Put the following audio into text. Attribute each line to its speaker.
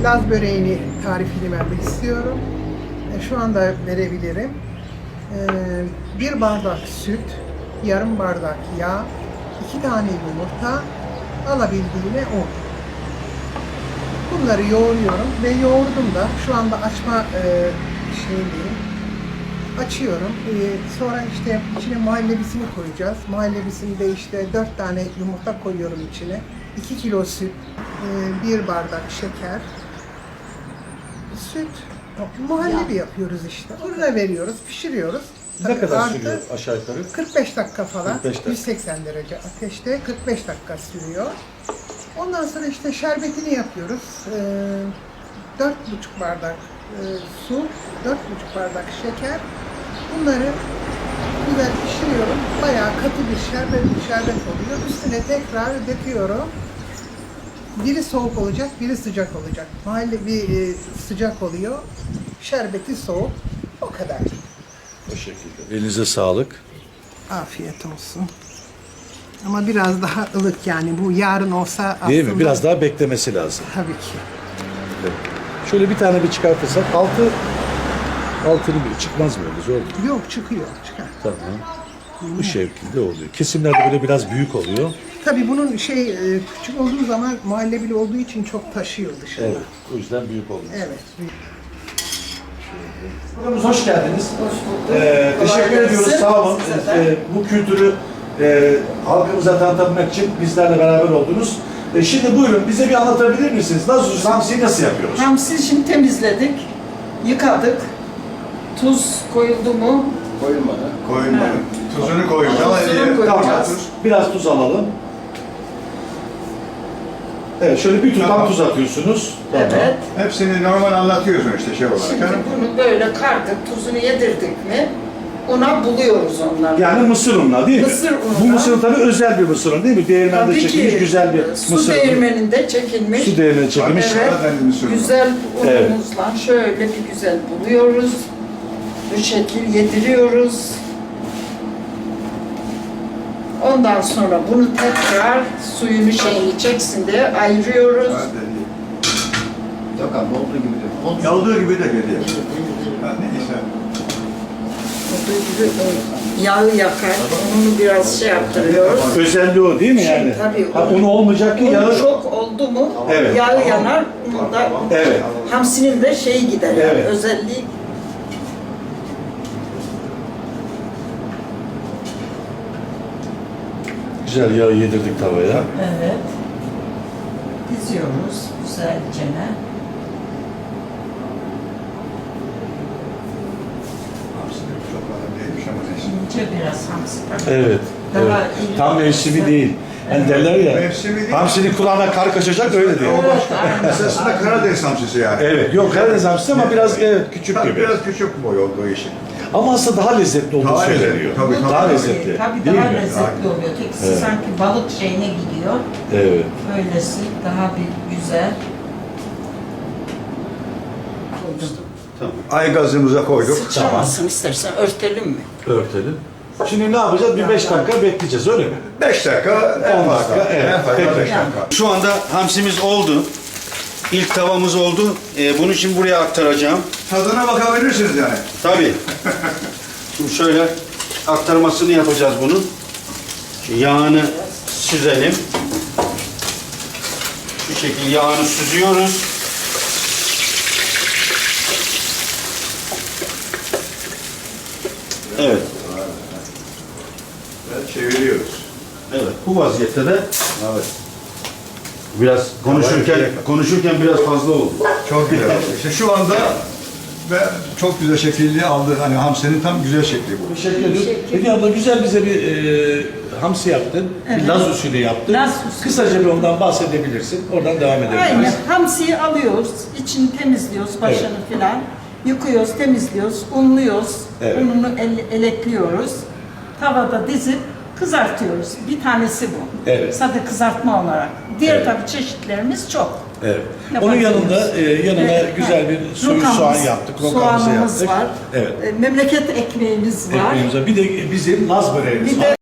Speaker 1: Laz böreğini tarifini vermek istiyorum. Şu anda verebilirim. 1 bardak süt, yarım bardak yağ, 2 tane yumurta, alabildiğine un. Bunları yoğuruyorum ve yoğurdum da şu anda açma şeyindeyim. Açıyorum. Sonra işte içine muhallebisini koyacağız. Muhallebisinde işte 4 tane yumurta koyuyorum içine. 2 kilo süt, 1 bardak şeker, süt, muhallebi yapıyoruz işte. Fırına veriyoruz, pişiriyoruz.
Speaker 2: Ne kadar
Speaker 1: Artı
Speaker 2: sürüyor aşağı yukarı?
Speaker 1: 45 dakika falan.
Speaker 2: 45 dakika.
Speaker 1: 180 derece ateşte 45 dakika sürüyor. Ondan sonra işte şerbetini yapıyoruz. 4,5 bardak su, 4,5 bardak şeker. Bunları güzel pişiriyorum. Bayağı katı bir şerbet oluyor. Üstüne tekrar döküyorum. Biri soğuk olacak, biri sıcak olacak. Muhallebi sıcak oluyor. Şerbeti soğuk. O kadar.
Speaker 2: O şekilde. Elinize sağlık.
Speaker 1: Afiyet olsun. Ama biraz daha ılık yani. Bu yarın olsa aslında...
Speaker 2: Değil mi? Biraz daha beklemesi lazım.
Speaker 1: Tabii ki.
Speaker 2: Evet. Şöyle bir tane bir çıkartırsak altını bir çıkmaz mı öyle zor mu?
Speaker 1: Yok, çıkıyor. Çıkar.
Speaker 2: Tamam. Bu şekilde oluyor. Kesimlerde böyle biraz büyük oluyor.
Speaker 1: Tabii bunun küçük olduğu zaman muhallebili olduğu için çok taşıyor dışarıda.
Speaker 2: Evet. O yüzden büyük oluyor.
Speaker 1: Evet.
Speaker 2: Programımıza hoş geldiniz.
Speaker 3: Hoş bulduk.
Speaker 2: Teşekkür ediyoruz. Sağ olun. Bu kültürü halkımıza tanıtmak için bizlerle beraber oldunuz. Şimdi buyurun bize bir anlatabilir misiniz? Nasıl hamsiyi nasıl yapıyoruz?
Speaker 3: Hamsi şimdi temizledik, yıkadık. Tuz koyuldu mu?
Speaker 4: Koyulmadı.
Speaker 5: Koyulmadı. Tuzunu koyacağız.
Speaker 3: Tuzunu koyacağız.
Speaker 2: Biraz tuz alalım. Evet, şöyle bir tutam tuz atıyorsunuz. Tamam.
Speaker 3: Evet.
Speaker 5: Hepsini normal anlatıyorsun işte şey olarak.
Speaker 3: Şimdi bunu böyle kardık, tuzunu yedirdik mi ona buluyoruz onları.
Speaker 2: Yani mısır unla değil mi?
Speaker 3: Mısır unla.
Speaker 2: Bu mısır unu tabii özel bir mısır unu değil mi? Değirmende
Speaker 3: Tabii
Speaker 2: çekilmiş
Speaker 3: ki,
Speaker 2: güzel bir
Speaker 3: su
Speaker 2: mısır unu.
Speaker 3: değirmeninde çekilmiş.
Speaker 2: Su değirmeninde çekilmiş.
Speaker 3: Evet,
Speaker 5: Karadeniz mısır unu.
Speaker 3: güzel
Speaker 2: Evet.
Speaker 3: unumuzla şöyle bir güzel buluyoruz. Bu şekil yediriyoruz. Ondan sonra bunu tekrar suyunu şeyini çeksin diye ayırıyoruz.
Speaker 4: Yok abi olduğu gibi de.
Speaker 5: Yaldığı gibi de geliyor. Ha, neyse.
Speaker 3: Olduğu gibi yağı yakar, ununu biraz şey yaptırıyoruz.
Speaker 2: Özelliği o değil mi yani?
Speaker 3: Tabii.
Speaker 2: Ha, unu olmayacak ki
Speaker 3: Un
Speaker 2: yağı...
Speaker 3: çok oldu mu
Speaker 2: Evet.
Speaker 3: yağı yanar, unun da
Speaker 2: Evet.
Speaker 3: hamsinin de şeyi gider yani
Speaker 2: Evet.
Speaker 3: özelliği.
Speaker 2: Güzel yağı yedirdik tavaya.
Speaker 3: Evet. Diziyoruz güzelce.
Speaker 5: Hamsinin çok kadar değilmiş ama neyse.
Speaker 3: İnce biraz hamsi tabii.
Speaker 2: Evet.
Speaker 3: Daha
Speaker 2: evet.
Speaker 3: iyi.
Speaker 2: Tam mevsimi değil. Hani derler ya,
Speaker 5: Mevsimi değil.
Speaker 2: hamsinin kulağına kar kaçacak öyle diyor.
Speaker 5: O başka. Esasında Karadeniz hamsisi yani.
Speaker 2: Evet, yok Karadeniz hamsisi ama biraz küçük
Speaker 5: Tabii
Speaker 2: gibi.
Speaker 5: biraz küçük boy olduğu için.
Speaker 2: Ama aslında daha lezzetli olduğu
Speaker 5: Daha
Speaker 2: söyleniyor.
Speaker 5: lezzetli, tabii, tabii.
Speaker 2: Daha lezzetli.
Speaker 3: Tabii
Speaker 2: değil
Speaker 3: daha
Speaker 2: mi?
Speaker 3: lezzetli oluyor. Tekisi
Speaker 2: Evet.
Speaker 3: sanki balık şeyine gidiyor.
Speaker 2: Evet.
Speaker 3: Böylesi daha bir güzel.
Speaker 5: Ay gazımıza koyduk.
Speaker 3: Sıçramasın istersen örtelim mi?
Speaker 2: Örtelim. Şimdi ne yapacağız? Bir 5 dakika bekleyeceğiz öyle mi?
Speaker 5: 5 dakika, 10
Speaker 2: 10
Speaker 5: dakika.
Speaker 2: dakika, evet.
Speaker 5: En fazla
Speaker 2: Peki.
Speaker 5: 5 dakika.
Speaker 4: Şu anda hamsimiz oldu. İlk tavamız oldu. Bunu şimdi buraya aktaracağım.
Speaker 5: Tadına bakabilirsiniz yani.
Speaker 4: Tabii. Şimdi şöyle aktarmasını yapacağız bunun. Şu yağını süzelim. Şu şekilde yağını süzüyoruz. Evet.
Speaker 5: Ve çeviriyoruz.
Speaker 4: Evet. Bu vaziyette de
Speaker 5: Evet.
Speaker 4: biraz konuşurken biraz fazla oldu.
Speaker 5: Çok güzel. İşte şu anda ve çok güzel şekilli aldı. Hani hamsinin tam güzel şekli bu.
Speaker 2: Teşekkür ediyoruz. Hediye abla güzel bize bir hamsi yaptın. Bir Laz usulü yaptın.
Speaker 3: Laz usulü.
Speaker 2: Kısaca bir ondan bahsedebilirsin. Oradan devam edebiliriz.
Speaker 3: Aynen. Hamsiyi alıyoruz, içini temizliyoruz, başını filan. Yıkıyoruz, temizliyoruz, unluyoruz.
Speaker 2: Evet.
Speaker 3: Ununu elekliyoruz. Tavada dizip kızartıyoruz. Bir tanesi bu.
Speaker 2: Evet.
Speaker 3: Sade kızartma olarak. Diğer
Speaker 2: Evet.
Speaker 3: tabii çeşitlerimiz çok.
Speaker 2: Evet. Onun yanında yanına
Speaker 3: Evet,
Speaker 2: güzel bir soyu
Speaker 3: rokamız,
Speaker 2: soğan yaptık. Rokamızı
Speaker 3: soğanımız
Speaker 2: yaptık.
Speaker 3: var.
Speaker 2: Evet.
Speaker 3: Memleket ekmeğimiz var.
Speaker 2: Ekmeğimize. Bir de bizim Laz böreğimiz
Speaker 3: Bir
Speaker 2: var.
Speaker 3: de